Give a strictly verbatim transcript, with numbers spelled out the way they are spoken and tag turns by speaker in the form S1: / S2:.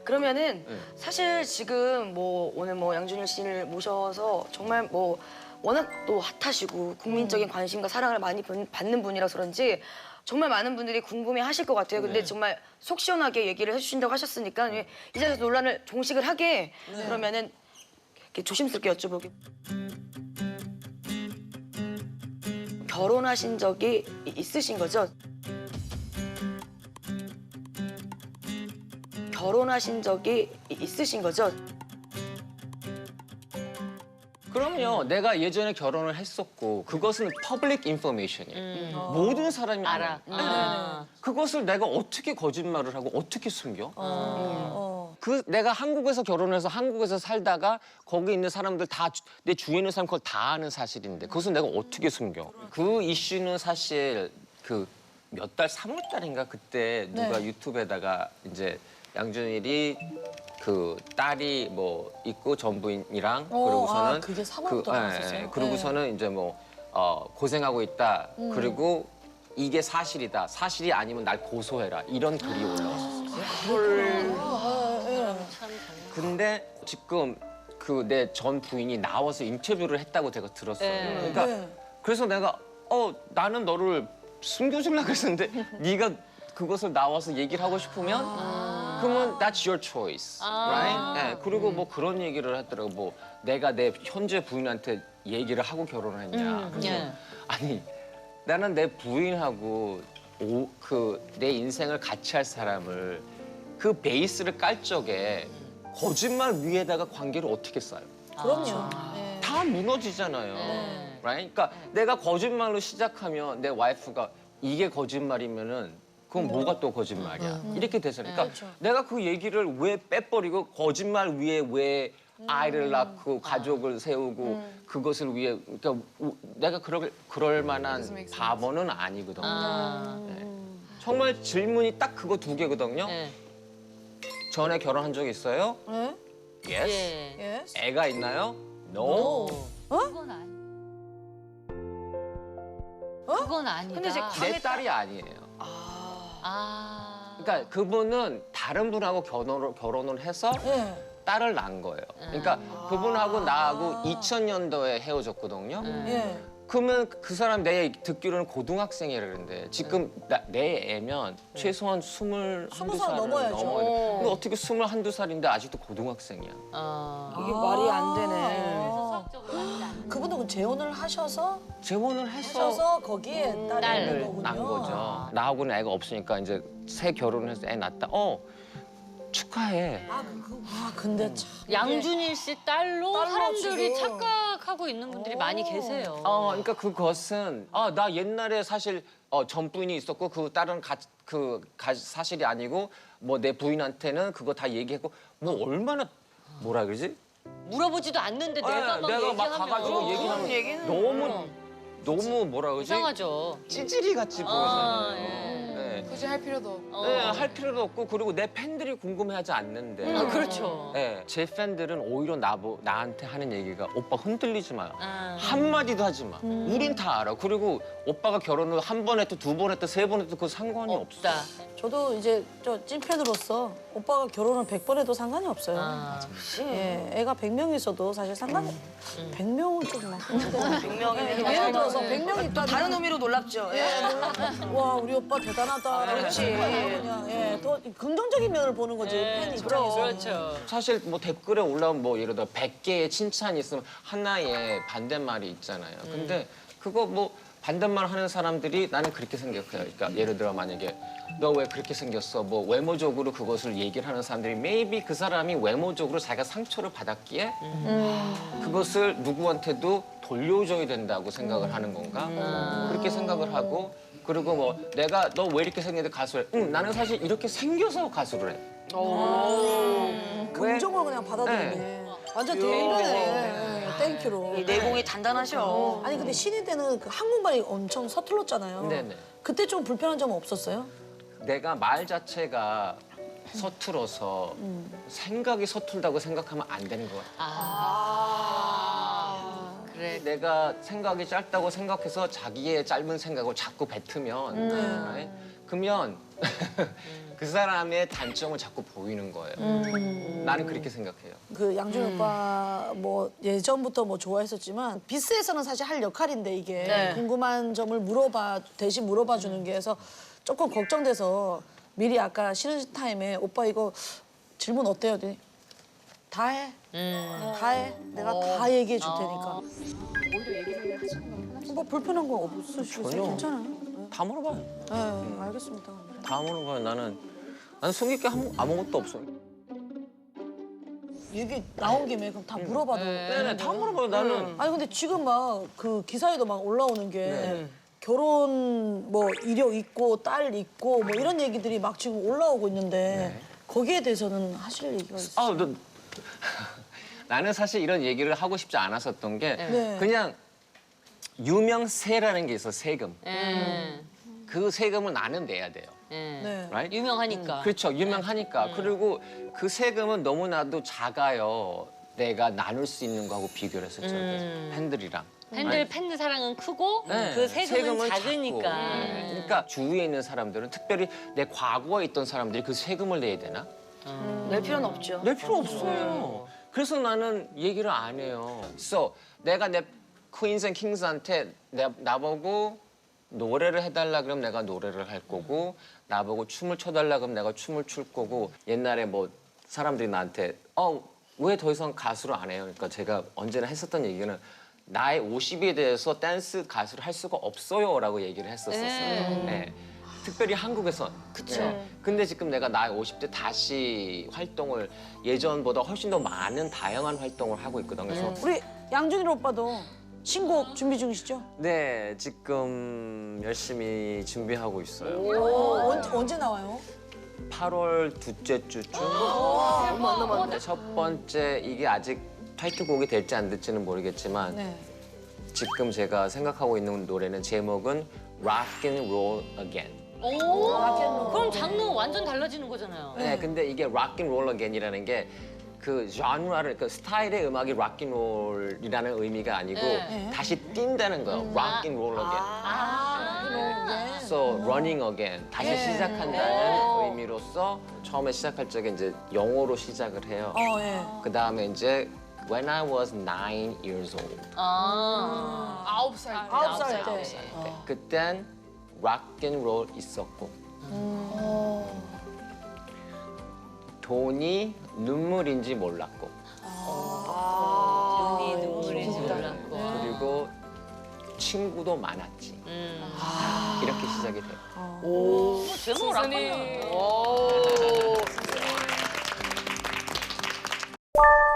S1: 그러면은
S2: 네.
S1: 사실 지금 뭐 오늘 뭐 양준일 씨를 모셔서 정말 뭐 워낙 또 핫하시고 국민적인 관심과 사랑을 많이 받는 분이라서 그런지 정말 많은 분들이 궁금해하실 것 같아요. 근데
S2: 네.
S1: 정말 속 시원하게 얘기를 해주신다고 하셨으니까 이 자리에서 논란을 종식을 하게 그러면은 이렇게 조심스럽게 여쭤보게. 결혼하신 적이 있으신 거죠? 결혼하신 적이 있으신 거죠?
S2: 그럼요. 내가 예전에 결혼을 했었고 그것은 퍼블릭 인포메이션이에요. 모든 사람이 알아.
S3: 아.
S2: 그것을 내가 어떻게 거짓말을 하고 어떻게 숨겨?
S3: 어.
S2: 그 내가 한국에서 결혼해서 한국에서 살다가 거기 있는 사람들 다 내 주위에 있는 사람 그걸 다 아는 사실인데 그것을 내가 어떻게 숨겨? 그 이슈는 사실 그 몇 달, 삼월 달인가 그때 누가 유튜브에다가 이제 양준일이 그 딸이 뭐 있고 전부인이랑
S3: 어,
S2: 그러고서는
S3: 아, 그게 삼월부터 나왔었어요?
S2: 예, 그러고서는 이제 뭐 어, 고생하고 있다. 그리고 이게 사실이다. 사실이 아니면 날 고소해라. 이런 글이 올라왔었어요. 근데 지금 그 내 전 부인이 나와서 인터뷰를 했다고 제가 들었어요.
S3: 네.
S2: 그러니까
S3: 네.
S2: 그래서 내가 어 나는 너를 숨겨주려고 했었는데 네가 그것을 나와서 얘기를 하고 싶으면 그러면 that's your choice, right? 네, 그리고 뭐 그런 얘기를 하더라고. 뭐 내가 내 현재 부인한테 얘기를 하고 결혼을 했냐. 그래서
S3: 예.
S2: 아니 나는 내 부인하고 그 내 인생을 같이 할 사람을 그 베이스를 깔 적에 거짓말 위에다가 관계를 어떻게 쌓아요?
S3: 그럼요.
S2: 다 무너지잖아요. right? 그러니까 내가 거짓말로 시작하면 내 와이프가 이게 거짓말이면은 그건 뭐가 또 거짓말이야. 이렇게 되잖아요. 그러니까 내가 그 얘기를 왜 빼버리고 거짓말 위에 왜 아이를 낳고 가족을 세우고 그것을 위해 그러니까 우- 내가 그럴 그럴 만한 바보는 아니거든요. 네. 정말 질문이 딱 그거 두 개거든요.
S3: 네.
S2: 전에 결혼한 적 있어요?
S3: 네?
S2: Yes.
S3: 예.
S4: Yes.
S2: 애가 있나요? No.
S4: 그건 아니. 그건 아니다.
S1: 근데 이제
S2: 내 딸이 아니에요.
S4: 아.
S2: 그러니까 그분은 다른 분하고 결혼을, 결혼을 해서
S3: 예.
S2: 딸을 낳은 거예요. 그러니까 그분하고 나하고 이천 년도에 헤어졌거든요.
S3: 예.
S2: 그러면 그 사람 내 듣기로는 고등학생이라는데 지금 나, 내 애면 최소한 스물한두
S3: 스무 살
S2: 살을
S3: 넘어야죠.
S2: 넘어야 돼. 근데 어떻게 스물한두 살인데 아직도 고등학생이야.
S3: 아.
S1: 이게 말이 안 되네.
S4: 수학적으로 맞지 않는.
S3: 그분은 그 재혼을 하셔서
S2: 재혼을 해서
S3: 하셔서 거기에 딸이
S4: 딸을
S3: 있는 거군요.
S2: 낳은 거죠. 나하고는 애가 없으니까 이제 새 결혼을 해서 애 낳았다. 어 축하해.
S3: 아, 그, 그, 아 근데 참.
S4: 양준일 씨 딸로,
S3: 딸로
S4: 사람들이
S3: 지금.
S4: 착각하고 있는 분들이 많이 계세요.
S2: 어, 그러니까 그것은 아, 나 옛날에 사실 어, 전 부인이 있었고 그 딸은 가, 그 가, 사실이 아니고 뭐 내 부인한테는 그거 다 얘기했고 뭐 얼마나 뭐라 그러지?
S4: 물어보지도 않는데 내가
S2: 네,
S4: 막
S2: 내가 막
S4: 얘기하면
S2: 가가지고
S1: 그런
S2: 얘기하면
S1: 얘기는
S2: 너무 너무 뭐라 그러지?
S4: 이상하죠.
S2: 찌질이 같이
S4: 아,
S2: 보이잖아요.
S4: 예.
S2: 네.
S5: 굳이 할 필요도 없고.
S4: 어.
S2: 네, 할 필요도 없고 그리고 내 팬들이 궁금해하지 않는데.
S4: 아, 그렇죠.
S2: 네, 제 팬들은 오히려 나보, 나한테 하는 얘기가 오빠 흔들리지 마요.
S4: 아.
S2: 한마디도 하지 마. 우린 다 알아. 그리고 오빠가 결혼을 한 번 했든 두 번 했든 세 번 했든 그 상관이 없어.
S4: 없다.
S3: 저도 이제 저 찐팬으로서 오빠가 결혼을 백 번 해도 상관이 없어요.
S4: 아.
S3: 예, 애가 백 명 있어도 사실 상관이 백 명은 좀 막.
S1: 백 명이면
S3: 예를 들어서 백 명 있다.
S1: 다른 의미로 놀랍죠. 예.
S3: 와 우리 오빠 대단하다.
S1: 그렇지.
S3: 그냥 예, 더 긍정적인 면을 보는 거지 팬 입장에서.
S4: 그렇죠.
S2: 사실 뭐 댓글에 올라온 뭐 예를 들어 백 개의 칭찬이 있으면 하나의 반대말이 있잖아요. 근데 그거 뭐 반대말 하는 사람들이 나는 그렇게 생각해요. 그러니까 예를 들어 만약에 너 왜 그렇게 생겼어? 뭐 외모적으로 그것을 얘기를 하는 사람들이 maybe 그 사람이 외모적으로 자기가 상처를 받았기에 그것을 누구한테도 돌려줘야 된다고 생각을 하는 건가? 그렇게 생각을 하고 그리고 뭐 내가 너 왜 이렇게 생겼는데 가수를 해? 응, 나는 사실 이렇게 생겨서 가수를 해.
S3: 긍정으로 그냥 받아들이네. 완전 대인배네. 땡큐로.
S1: 이 내공이 단단하셔.
S3: 아니 근데 신인 때는 그 한국말이 엄청 서툴렀잖아요.
S2: 네네.
S3: 그때 좀 불편한 점은 없었어요?
S2: 내가 말 자체가 서툴어서 생각이 서툴다고 생각하면 안 되는 것 같아.
S4: 아. 그래.
S2: 내가 생각이 짧다고 생각해서 자기의 짧은 생각을 자꾸 뱉으면 right? 그러면 그 사람의 단점을 자꾸 보이는 거예요. 나는 그렇게 생각해요.
S3: 그 양준 오빠 뭐 예전부터 뭐 좋아했었지만 비스에서는 사실 할 역할인데 이게
S1: 네.
S3: 궁금한 점을 물어봐 대신 물어봐 주는 게 해서 조금 걱정돼서 미리 아까 쉬는 타임에 오빠 이거 질문 어때요? 그랬더니 다 해. 다 해. 내가 다 얘기해 줄 테니까. 뭐 불편한 거 없으시고
S2: 전혀.
S3: 괜찮아요.
S2: 다 물어봐요.
S3: 네, 알겠습니다.
S2: 다 물어봐요. 나는 나는 숨길 게 아무, 아무것도 없어.
S3: 얘기 나온 김에 그럼 다 물어봐도.
S2: 네네 다 물어봐요. 나는
S3: 아니 근데 지금 막 그 기사에도 막 올라오는 게
S2: 네.
S3: 결혼 뭐 이력 있고 딸 있고 뭐 이런 얘기들이 막 지금 올라오고 있는데
S2: 네.
S3: 거기에 대해서는 하실 얘기가 있어요?
S2: 아, 너, 나는 사실 이런 얘기를 하고 싶지 않았었던 게
S3: 네.
S2: 그냥 유명세라는 게 있어 세금.
S4: 예.
S2: 그 세금을 나는 내야 돼요.
S4: 예.
S3: 네.
S2: Right?
S4: 유명하니까.
S2: 그렇죠. 유명하니까. 그리고 그 세금은 너무나도 작아요. 내가 나눌 수 있는 거하고 비교를 했을 때
S4: 음.
S2: 팬들이랑.
S4: 팬들 팬들 사랑은 크고
S2: 네,
S4: 그 세금은,
S2: 작고.
S4: 작으니까.
S2: 네. 그러니까 주위에 있는 사람들은 특별히 내 과거에 있던 사람들이 그 세금을 내야 되나?
S1: 낼 필요는 없죠.
S2: 낼 필요 없어요. 그래서 나는 얘기를 안 해요. So, 내가 내 퀸스 앤 킹스한테 내, 나보고 노래를 해달라 그러면 내가 노래를 할 거고 나보고 춤을 춰달라 그러면 내가 춤을 출 거고 옛날에 뭐 사람들이 나한테 어, 왜 더 이상 가수를 안 해요? 그러니까 제가 언제나 했었던 얘기는 나의 오십에 대해서 댄스 가수를 할 수가 없어요 라고 얘기를 했었었어요.
S4: 네.
S2: 네. 특별히 한국에선. 그쵸. 근데 지금 내가 나이 오십 대 다시 활동을 예전보다 훨씬 더 많은 다양한 활동을 하고 있거든. 그래서
S3: 우리 양준일 오빠도 신곡 준비 중이시죠?
S2: 네, 지금 열심히 준비하고 있어요.
S3: 어, 언제, 언제 나와요?
S2: 팔월 둘째 주쯤.
S1: 얼마 안 남았네.
S2: 첫 번째 이게 아직 타이틀곡이 될지 안 될지는 모르겠지만
S3: 네.
S2: 지금 제가 생각하고 있는 노래는 제목은 Rock and Roll Again.
S4: 오. 그럼 장르 완전 달라지는 거잖아요.
S2: 네, 근데 이게 Rock and Roll Again이라는 게 그 장르를 그 스타일의 음악이 락앤롤이라는 의미가 아니고
S4: 네.
S2: 다시 뛴다는 거예요. Rock and Roll Again.
S4: 아.
S2: So running again 다시 시작한다는 의미로서 처음에 시작할 적에 이제 영어로 시작을 해요.
S3: 어, 예.
S2: 그 다음에 이제 When I was nine years old.
S4: 아.
S5: 아홉 살 때.
S3: 아홉 살 때.
S2: 네, 그땐 락앤롤 있었고 돈이 눈물인지 몰랐고
S4: 눈이 눈물인지 몰랐고.
S2: 그리고 친구도 많았지.
S4: 음.
S2: 이렇게 시작이 돼요.
S4: 오. 제목 락커는.
S1: 오.